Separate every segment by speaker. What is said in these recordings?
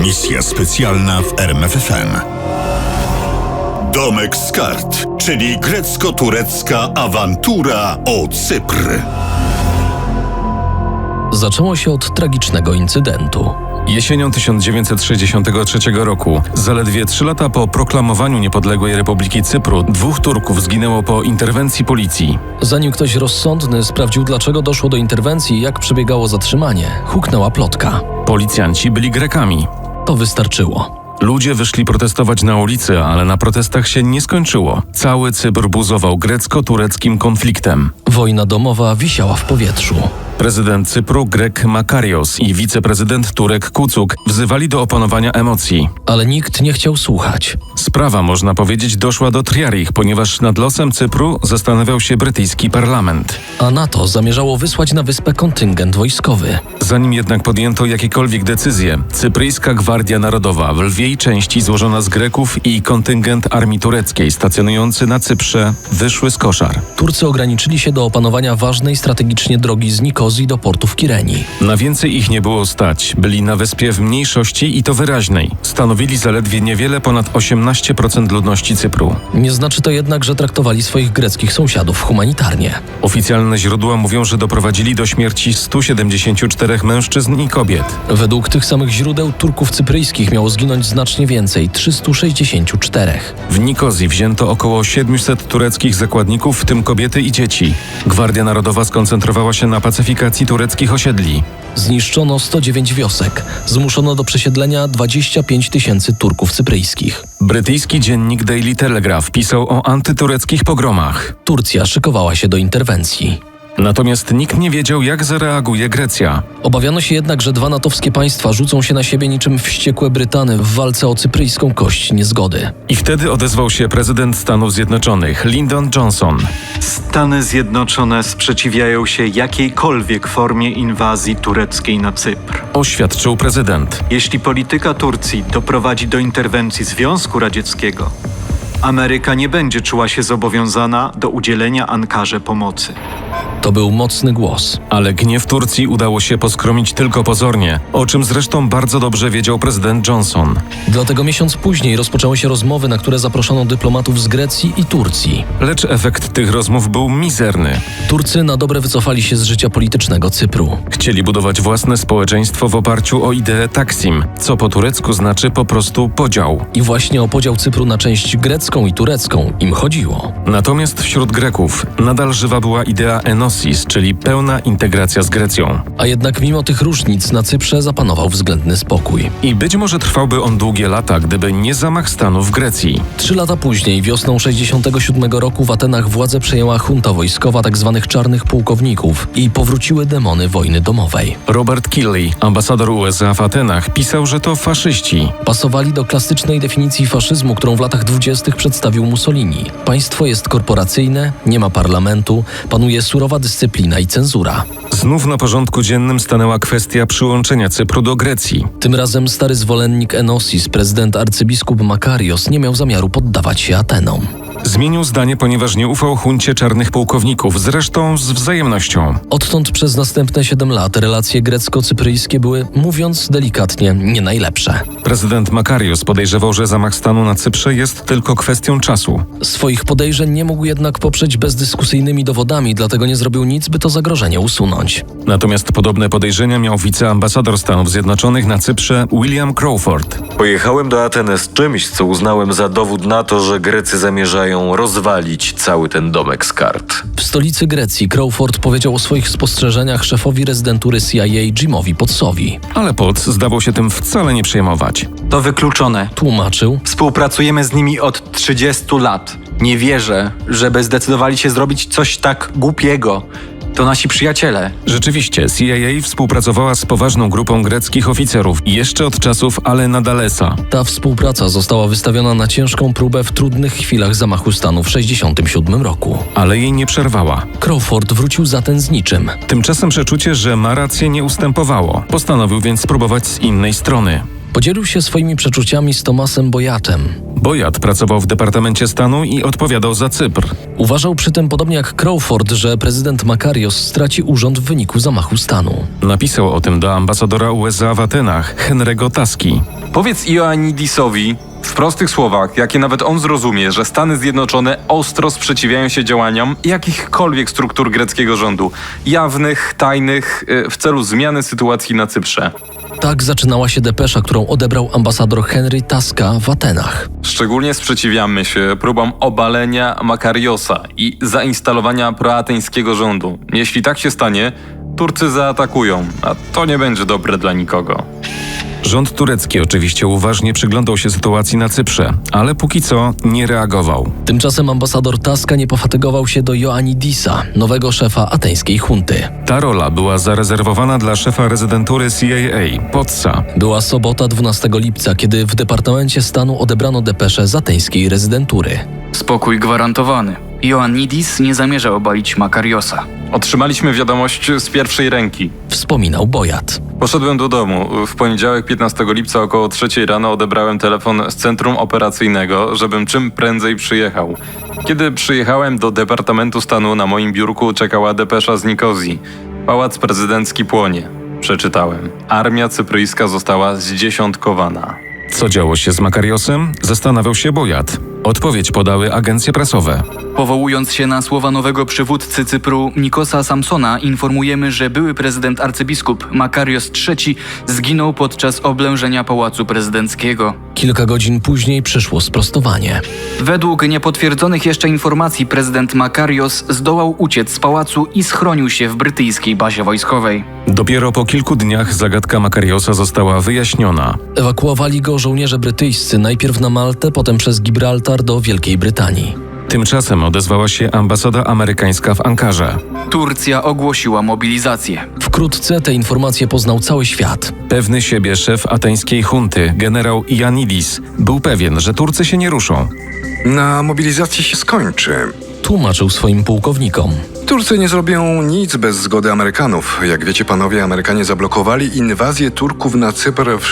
Speaker 1: Misja specjalna w RMFFM. Domek z kart, czyli grecko-turecka awantura o Cypr.
Speaker 2: Zaczęło się od tragicznego incydentu.
Speaker 3: Jesienią 1963 roku, zaledwie 3 lata po proklamowaniu niepodległej Republiki Cypru, 2 Turków zginęło po interwencji policji.
Speaker 2: Zanim ktoś rozsądny sprawdził, dlaczego doszło do interwencji i jak przebiegało zatrzymanie, huknęła plotka.
Speaker 3: Policjanci byli Grekami.
Speaker 2: To wystarczyło.
Speaker 3: Ludzie wyszli protestować na ulicy, ale na protestach się nie skończyło. Cały Cypr buzował grecko-tureckim konfliktem.
Speaker 2: Wojna domowa wisiała w powietrzu.
Speaker 3: Prezydent Cypru Grek Makarios i wiceprezydent Turek Kucuk wzywali do opanowania emocji.
Speaker 2: Ale nikt nie chciał słuchać.
Speaker 3: Sprawa, można powiedzieć, doszła do triarich, ponieważ nad losem Cypru zastanawiał się brytyjski parlament.
Speaker 2: A NATO zamierzało wysłać na wyspę kontyngent wojskowy.
Speaker 3: Zanim jednak podjęto jakiekolwiek decyzje, Cypryjska Gwardia Narodowa, w lwiej części złożona z Greków, i kontyngent armii tureckiej stacjonujący na Cyprze wyszły z koszar.
Speaker 2: Turcy ograniczyli się do opanowania ważnej strategicznie drogi z Nikozji do portu w Kireni.
Speaker 3: Na więcej ich nie było stać. Byli na wyspie w mniejszości i to wyraźnej. Stanowili zaledwie niewiele ponad 18% ludności Cypru.
Speaker 2: Nie znaczy to jednak, że traktowali swoich greckich sąsiadów humanitarnie.
Speaker 3: Oficjalne źródła mówią, że doprowadzili do śmierci 174 mężczyzn i kobiet.
Speaker 2: Według tych samych źródeł Turków cypryjskich miało zginąć znacznie więcej – 364.
Speaker 3: W Nikozji wzięto około 700 tureckich zakładników, w tym kobiety i dzieci. Gwardia Narodowa skoncentrowała się na pacyfikacji tureckich osiedli.
Speaker 2: Zniszczono 109 wiosek. Zmuszono do przesiedlenia 25 000 Turków cypryjskich.
Speaker 3: Brytyjski dziennik Daily Telegraph pisał o antytureckich pogromach.
Speaker 2: Turcja szykowała się do interwencji.
Speaker 3: Natomiast nikt nie wiedział, jak zareaguje Grecja.
Speaker 2: Obawiano się jednak, że 2 natowskie państwa rzucą się na siebie niczym wściekłe Brytany w walce o cypryjską kość niezgody.
Speaker 3: I wtedy odezwał się prezydent Stanów Zjednoczonych, Lyndon Johnson.
Speaker 4: Stany Zjednoczone sprzeciwiają się jakiejkolwiek formie inwazji tureckiej na Cypr.
Speaker 3: Oświadczył prezydent.
Speaker 4: Jeśli polityka Turcji doprowadzi do interwencji Związku Radzieckiego, Ameryka nie będzie czuła się zobowiązana do udzielenia Ankarze pomocy.
Speaker 2: To był mocny głos.
Speaker 3: Ale gniew Turcji udało się poskromić tylko pozornie, o czym zresztą bardzo dobrze wiedział prezydent Johnson.
Speaker 2: Dlatego miesiąc później rozpoczęły się rozmowy, na które zaproszono dyplomatów z Grecji i Turcji.
Speaker 3: Lecz efekt tych rozmów był mizerny.
Speaker 2: Turcy na dobre wycofali się z życia politycznego Cypru.
Speaker 3: Chcieli budować własne społeczeństwo w oparciu o ideę Taksim, co po turecku znaczy po prostu podział.
Speaker 2: I właśnie o podział Cypru na część grecką i turecką im chodziło.
Speaker 3: Natomiast wśród Greków nadal żywa była idea Enosis, czyli pełna integracja z Grecją.
Speaker 2: A jednak mimo tych różnic na Cyprze zapanował względny spokój.
Speaker 3: I być może trwałby on długie lata, gdyby nie zamach stanu w Grecji.
Speaker 2: 3 lata później, wiosną 67 roku w Atenach władzę przejęła junta wojskowa tzw. czarnych pułkowników i powróciły demony wojny domowej.
Speaker 3: Robert Killey, ambasador USA w Atenach, pisał, że to faszyści.
Speaker 2: Pasowali do klasycznej definicji faszyzmu, którą w latach 20. przedstawił Mussolini. Państwo jest korporacyjne, nie ma parlamentu, panuje surowa dyscyplina i cenzura.
Speaker 3: Znów na porządku dziennym stanęła kwestia przyłączenia Cypru do Grecji.
Speaker 2: Tym razem stary zwolennik Enosis, prezydent arcybiskup Makarios, nie miał zamiaru poddawać się Atenom.
Speaker 3: Zmienił zdanie, ponieważ nie ufał huncie czarnych pułkowników, zresztą z wzajemnością.
Speaker 2: Odtąd przez następne 7 lat relacje grecko-cypryjskie były, mówiąc delikatnie, nie najlepsze.
Speaker 3: Prezydent Makarios podejrzewał, że zamach stanu na Cyprze jest tylko kwestią czasu.
Speaker 2: Swoich podejrzeń nie mógł jednak poprzeć bezdyskusyjnymi dowodami, dlatego nie zrobił nic, by to zagrożenie usunąć.
Speaker 3: Natomiast podobne podejrzenia miał wiceambasador Stanów Zjednoczonych na Cyprze William Crawford.
Speaker 5: Pojechałem do Aten z czymś, co uznałem za dowód na to, że Grecy zamierzają rozwalić cały ten domek z kart.
Speaker 2: W stolicy Grecji Crawford powiedział o swoich spostrzeżeniach szefowi rezydentury CIA Jimowi Potsowi.
Speaker 3: Ale Potts zdawał się tym wcale nie przejmować.
Speaker 4: To wykluczone.
Speaker 2: Tłumaczył:
Speaker 4: Współpracujemy z nimi od 30 lat. Nie wierzę, żeby zdecydowali się zrobić coś tak głupiego. To nasi przyjaciele.
Speaker 3: Rzeczywiście, CIA współpracowała z poważną grupą greckich oficerów jeszcze od czasów Allena Dulesa.
Speaker 2: Ta współpraca została wystawiona na ciężką próbę w trudnych chwilach zamachu stanu w 1967 roku.
Speaker 3: Ale jej nie przerwała.
Speaker 2: Crawford wrócił zatem z niczym.
Speaker 3: Tymczasem przeczucie, że ma rację, nie ustępowało. Postanowił więc spróbować z innej strony.
Speaker 2: Podzielił się swoimi przeczuciami z Thomasem Boyatem.
Speaker 3: Boyat pracował w Departamencie Stanu i odpowiadał za Cypr.
Speaker 2: Uważał przy tym, podobnie jak Crawford, że prezydent Makarios straci urząd w wyniku zamachu stanu.
Speaker 3: Napisał o tym do ambasadora USA w Atenach, Henry'ego Taski.
Speaker 6: Powiedz Ioannidisowi w prostych słowach, jakie nawet on zrozumie, że Stany Zjednoczone ostro sprzeciwiają się działaniom jakichkolwiek struktur greckiego rządu, jawnych, tajnych, w celu zmiany sytuacji na Cyprze.
Speaker 2: Tak zaczynała się depesza, którą odebrał ambasador Henry Taska w Atenach.
Speaker 6: Szczególnie sprzeciwiamy się próbom obalenia Makariosa i zainstalowania proateńskiego rządu. Jeśli tak się stanie, Turcy zaatakują, a to nie będzie dobre dla nikogo.
Speaker 3: Rząd turecki oczywiście uważnie przyglądał się sytuacji na Cyprze, ale póki co nie reagował.
Speaker 2: Tymczasem ambasador Taska nie pofatygował się do Ioannidisa, nowego szefa ateńskiej hunty.
Speaker 3: Ta rola była zarezerwowana dla szefa rezydentury CIA, Potsa.
Speaker 2: Była sobota 12 lipca, kiedy w Departamencie Stanu odebrano depeszę z ateńskiej rezydentury.
Speaker 7: Spokój gwarantowany. Ioannidis nie zamierza obalić Makariosa.
Speaker 6: Otrzymaliśmy wiadomość z pierwszej ręki.
Speaker 2: Wspominał Boyat.
Speaker 6: Poszedłem do domu. W poniedziałek 15 lipca około 3 rano odebrałem telefon z centrum operacyjnego, żebym czym prędzej przyjechał. Kiedy przyjechałem do Departamentu Stanu, na moim biurku czekała depesza z Nikozji. Pałac prezydencki płonie. Przeczytałem. Armia cypryjska została zdziesiątkowana.
Speaker 3: Co działo się z Makariosem? Zastanawiał się Boyat. Odpowiedź podały agencje prasowe.
Speaker 7: Powołując się na słowa nowego przywódcy Cypru Nikosa Sampsona, informujemy, że były prezydent arcybiskup Makarios III zginął podczas oblężenia Pałacu Prezydenckiego.
Speaker 2: Kilka godzin później przyszło sprostowanie.
Speaker 7: Według niepotwierdzonych jeszcze informacji prezydent Makarios zdołał uciec z pałacu i schronił się w brytyjskiej bazie wojskowej.
Speaker 3: Dopiero po kilku dniach zagadka Makariosa została wyjaśniona.
Speaker 2: Ewakuowali go żołnierze brytyjscy najpierw na Maltę, potem przez Gibraltar do Wielkiej Brytanii.
Speaker 3: Tymczasem odezwała się ambasada amerykańska w Ankarze.
Speaker 7: Turcja ogłosiła mobilizację.
Speaker 2: Wkrótce te informacje poznał cały świat.
Speaker 3: Pewny siebie szef ateńskiej hunty, generał Ioannidis, był pewien, że Turcy się nie ruszą.
Speaker 8: Na mobilizacji się skończy.
Speaker 2: Tłumaczył swoim pułkownikom.
Speaker 8: Turcy nie zrobią nic bez zgody Amerykanów. Jak wiecie panowie, Amerykanie zablokowali inwazję Turków na Cypr w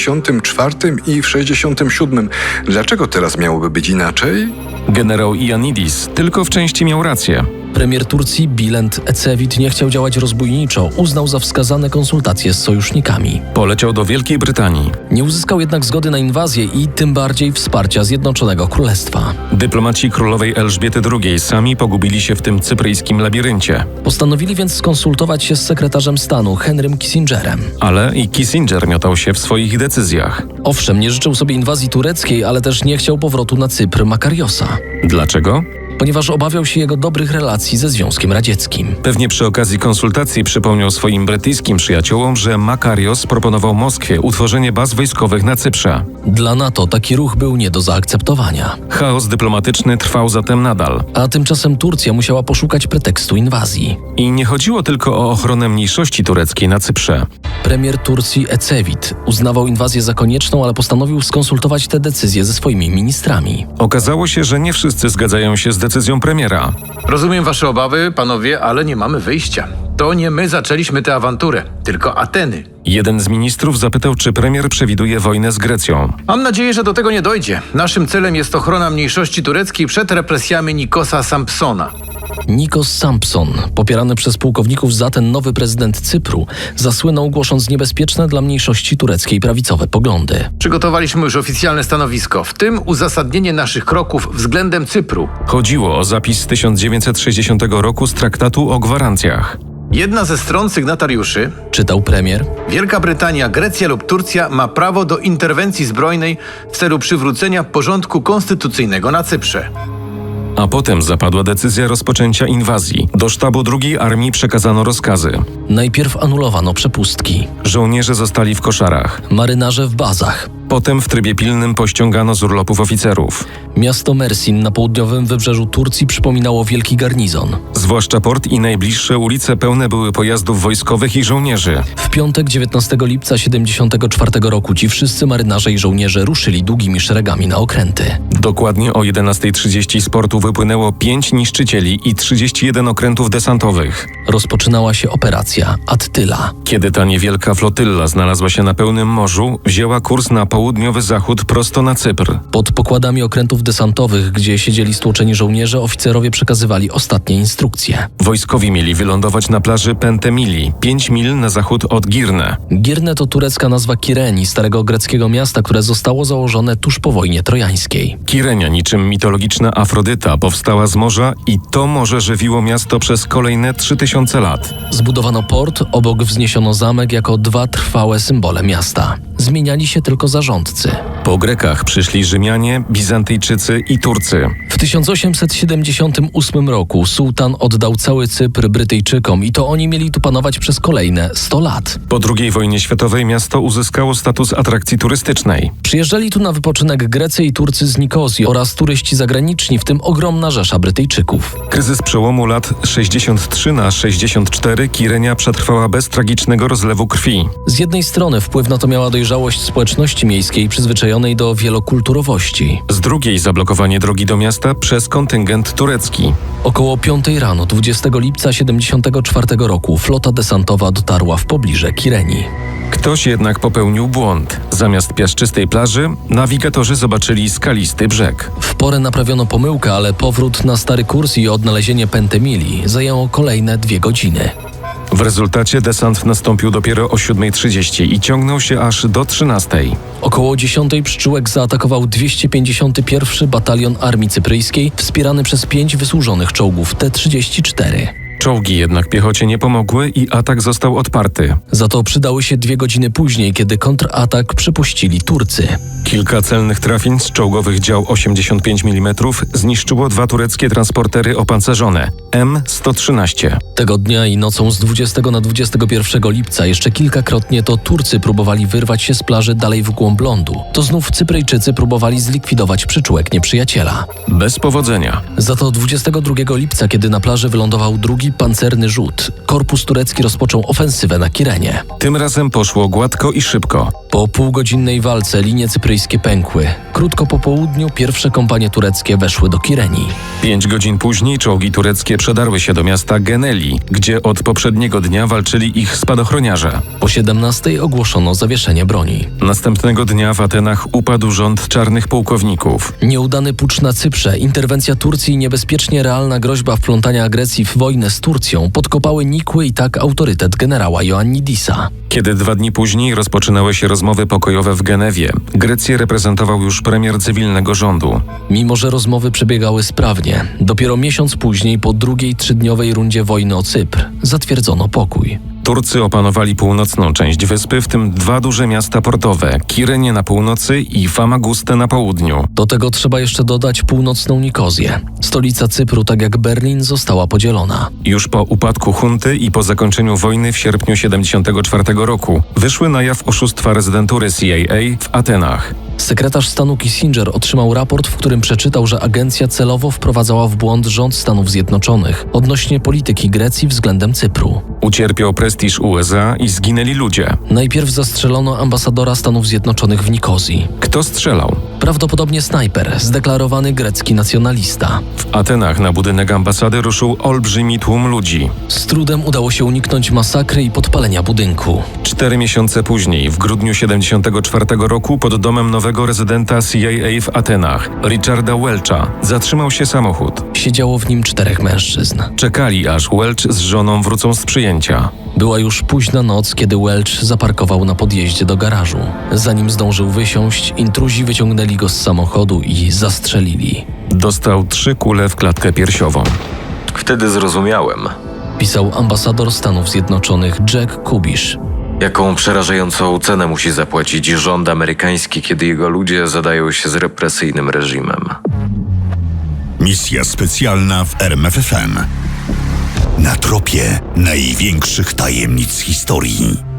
Speaker 8: 64 i w 67. Dlaczego teraz miałoby być inaczej?
Speaker 3: Generał Ioannidis tylko w części miał rację.
Speaker 2: Premier Turcji Bülent Ecevit nie chciał działać rozbójniczo, uznał za wskazane konsultacje z sojusznikami.
Speaker 3: Poleciał do Wielkiej Brytanii.
Speaker 2: Nie uzyskał jednak zgody na inwazję i tym bardziej wsparcia Zjednoczonego Królestwa.
Speaker 3: Dyplomaci królowej Elżbiety II sami pogubili się w tym cypryjskim labiryncie.
Speaker 2: Postanowili więc skonsultować się z sekretarzem stanu Henrym Kissingerem.
Speaker 3: Ale i Kissinger miotał się w swoich decyzjach.
Speaker 2: Owszem, nie życzył sobie inwazji tureckiej, ale też nie chciał powrotu na Cypr Makariosa,
Speaker 3: Dlaczego?
Speaker 2: ponieważ obawiał się jego dobrych relacji ze Związkiem Radzieckim.
Speaker 3: Pewnie przy okazji konsultacji przypomniał swoim brytyjskim przyjaciołom, że Makarios proponował Moskwie utworzenie baz wojskowych na Cyprze.
Speaker 2: Dla NATO taki ruch był nie do zaakceptowania.
Speaker 3: Chaos dyplomatyczny trwał zatem nadal.
Speaker 2: A tymczasem Turcja musiała poszukać pretekstu inwazji.
Speaker 3: I nie chodziło tylko o ochronę mniejszości tureckiej na Cyprze.
Speaker 2: Premier Turcji Ecevit uznawał inwazję za konieczną, ale postanowił skonsultować te decyzje ze swoimi ministrami.
Speaker 3: Okazało się, że nie wszyscy zgadzają się z decyzją premiera.
Speaker 9: Rozumiem wasze obawy, panowie, ale nie mamy wyjścia. To nie my zaczęliśmy tę awanturę, tylko Ateny.
Speaker 3: Jeden z ministrów zapytał, czy premier przewiduje wojnę z Grecją.
Speaker 9: Mam nadzieję, że do tego nie dojdzie. Naszym celem jest ochrona mniejszości tureckiej przed represjami Nikosa Sampsona.
Speaker 2: Nikos Sampson, popierany przez pułkowników z Aten nowy prezydent Cypru, zasłynął głosząc niebezpieczne dla mniejszości tureckiej prawicowe poglądy.
Speaker 9: Przygotowaliśmy już oficjalne stanowisko, w tym uzasadnienie naszych kroków względem Cypru.
Speaker 3: Chodziło o zapis z 1960 roku z traktatu o gwarancjach.
Speaker 9: Jedna ze stron sygnatariuszy,
Speaker 2: Czytał premier.
Speaker 9: Wielka Brytania, Grecja lub Turcja ma prawo do interwencji zbrojnej w celu przywrócenia porządku konstytucyjnego na Cyprze.
Speaker 3: A potem zapadła decyzja rozpoczęcia inwazji. Do sztabu II Armii przekazano rozkazy.
Speaker 2: Najpierw anulowano przepustki.
Speaker 3: Żołnierze zostali w koszarach.
Speaker 2: Marynarze w bazach.
Speaker 3: Potem w trybie pilnym pościągano z urlopów oficerów.
Speaker 2: Miasto Mersin na południowym wybrzeżu Turcji przypominało wielki garnizon.
Speaker 3: Zwłaszcza port i najbliższe ulice pełne były pojazdów wojskowych i żołnierzy.
Speaker 2: W piątek 19 lipca 74 roku ci wszyscy marynarze i żołnierze ruszyli długimi szeregami na okręty.
Speaker 3: Dokładnie o 11:30 z portu wypłynęło 5 niszczycieli i 31 okrętów desantowych.
Speaker 2: Rozpoczynała się operacja Attyla.
Speaker 3: Kiedy ta niewielka flotylla znalazła się na pełnym morzu, wzięła kurs na południowy zachód prosto na Cypr.
Speaker 2: Pod pokładami okrętów desantowych, gdzie siedzieli stłoczeni żołnierze, oficerowie przekazywali ostatnie instrukcje.
Speaker 3: Wojskowi mieli wylądować na plaży Pentemili, 5 mil na zachód od Girne.
Speaker 2: Girne to turecka nazwa Kireni, starego greckiego miasta, które zostało założone tuż po wojnie trojańskiej.
Speaker 3: Kirenia, niczym mitologiczna Afrodyta, powstała z morza i to morze żywiło miasto przez kolejne 3000 lat.
Speaker 2: Zbudowano port, obok wzniesiono zamek jako 2 trwałe symbole miasta. Zmieniali się tylko zarządcy.
Speaker 3: Po Grekach przyszli Rzymianie, Bizantyjczycy i Turcy.
Speaker 2: W 1878 roku sułtan oddał cały Cypr Brytyjczykom i to oni mieli tu panować przez kolejne 100 lat.
Speaker 3: Po II wojnie światowej miasto uzyskało status atrakcji turystycznej.
Speaker 2: Przyjeżdżali tu na wypoczynek Grecy i Turcy z Nikozji oraz turyści zagraniczni, w tym ogromna rzesza Brytyjczyków.
Speaker 3: Kryzys przełomu lat 63 na 64 Kirenia przetrwała bez tragicznego rozlewu krwi.
Speaker 2: Z jednej strony wpływ na to miała dojrzałość społeczności miejskiej przyzwyczajonej do wielokulturowości.
Speaker 3: Z drugiej zablokowanie drogi do miasta przez kontyngent turecki.
Speaker 2: Około 5 rano 20 lipca 74 roku flota desantowa dotarła w pobliże Kireni.
Speaker 3: Ktoś jednak popełnił błąd. Zamiast piaszczystej plaży, nawigatorzy zobaczyli skalisty brzeg.
Speaker 2: W porę naprawiono pomyłkę, ale powrót na stary kurs i odnalezienie Pentemili zajęło kolejne 2 godziny.
Speaker 3: W rezultacie desant nastąpił dopiero o 7:30 i ciągnął się aż do 13:00.
Speaker 2: Około 10 pszczółek zaatakował 251 Batalion Armii Cypryjskiej, wspierany przez 5 wysłużonych czołgów T-34.
Speaker 3: Czołgi jednak piechocie nie pomogły i atak został odparty.
Speaker 2: Za to przydały się 2 godziny później, kiedy kontratak przypuścili Turcy.
Speaker 3: Kilka celnych trafień z czołgowych dział 85 mm zniszczyło 2 tureckie transportery opancerzone M113.
Speaker 2: Tego dnia i nocą z 20 na 21 lipca jeszcze kilkakrotnie to Turcy próbowali wyrwać się z plaży dalej w głąb lądu. To znów Cypryjczycy próbowali zlikwidować przyczółek nieprzyjaciela.
Speaker 3: Bez powodzenia.
Speaker 2: Za to 22 lipca, kiedy na plaży wylądował drugi pancerny rzut, korpus turecki rozpoczął ofensywę na Kirenię.
Speaker 3: Tym razem poszło gładko i szybko.
Speaker 2: Po półgodzinnej walce linie cypryjskie pękły. Krótko po południu pierwsze kompanie tureckie weszły do Kirenii.
Speaker 3: 5 godzin później czołgi tureckie przedarły się do miasta Geneli, gdzie od poprzedniego dnia walczyli ich spadochroniarze.
Speaker 2: Po 17 ogłoszono zawieszenie broni.
Speaker 3: Następnego dnia w Atenach upadł rząd czarnych pułkowników.
Speaker 2: Nieudany pucz na Cyprze, interwencja Turcji i niebezpiecznie realna groźba wplątania agresji w wojnę z Turcją podkopały nikły i tak autorytet generała Ioannidisa.
Speaker 3: Kiedy 2 dni później rozpoczynały się rozmowy pokojowe w Genewie, Grecję reprezentował już premier cywilnego rządu.
Speaker 2: Mimo że rozmowy przebiegały sprawnie, dopiero miesiąc później, po drugiej 3-dniowej rundzie wojny o Cypr, zatwierdzono pokój.
Speaker 3: Turcy opanowali północną część wyspy, w tym 2 duże miasta portowe, Kirenię na północy i Famagustę na południu.
Speaker 2: Do tego trzeba jeszcze dodać północną Nikozję. Stolica Cypru, tak jak Berlin, została podzielona.
Speaker 3: Już po upadku hunty i po zakończeniu wojny w sierpniu 1974 roku wyszły na jaw oszustwa rezydentury CIA w Atenach.
Speaker 2: Sekretarz stanu Kissinger otrzymał raport, w którym przeczytał, że agencja celowo wprowadzała w błąd rząd Stanów Zjednoczonych odnośnie polityki Grecji względem Cypru.
Speaker 3: Ucierpiał prestiż USA i zginęli ludzie.
Speaker 2: Najpierw zastrzelono ambasadora Stanów Zjednoczonych w Nikozji.
Speaker 3: Kto strzelał?
Speaker 2: Prawdopodobnie snajper, zdeklarowany grecki nacjonalista.
Speaker 3: W Atenach na budynek ambasady ruszył olbrzymi tłum ludzi.
Speaker 2: Z trudem udało się uniknąć masakry i podpalenia budynku.
Speaker 3: 4 miesiące później, w grudniu 1974 roku, pod domem nowego rezydenta CIA w Atenach, Richarda Welcha, zatrzymał się samochód.
Speaker 2: Siedziało w nim 4 mężczyzn.
Speaker 3: Czekali, aż Welch z żoną wrócą z przyjęcia.
Speaker 2: Była już późna noc, kiedy Welch zaparkował na podjeździe do garażu. Zanim zdążył wysiąść, intruzi wyciągnęli go z samochodu i zastrzelili.
Speaker 3: Dostał 3 kule w klatkę piersiową.
Speaker 5: Wtedy zrozumiałem,
Speaker 2: Pisał ambasador Stanów Zjednoczonych Jack Kubisz.
Speaker 5: jaką przerażającą cenę musi zapłacić rząd amerykański, kiedy jego ludzie zadają się z represyjnym reżimem.
Speaker 1: Misja specjalna w RMFFM. Na tropie największych tajemnic historii.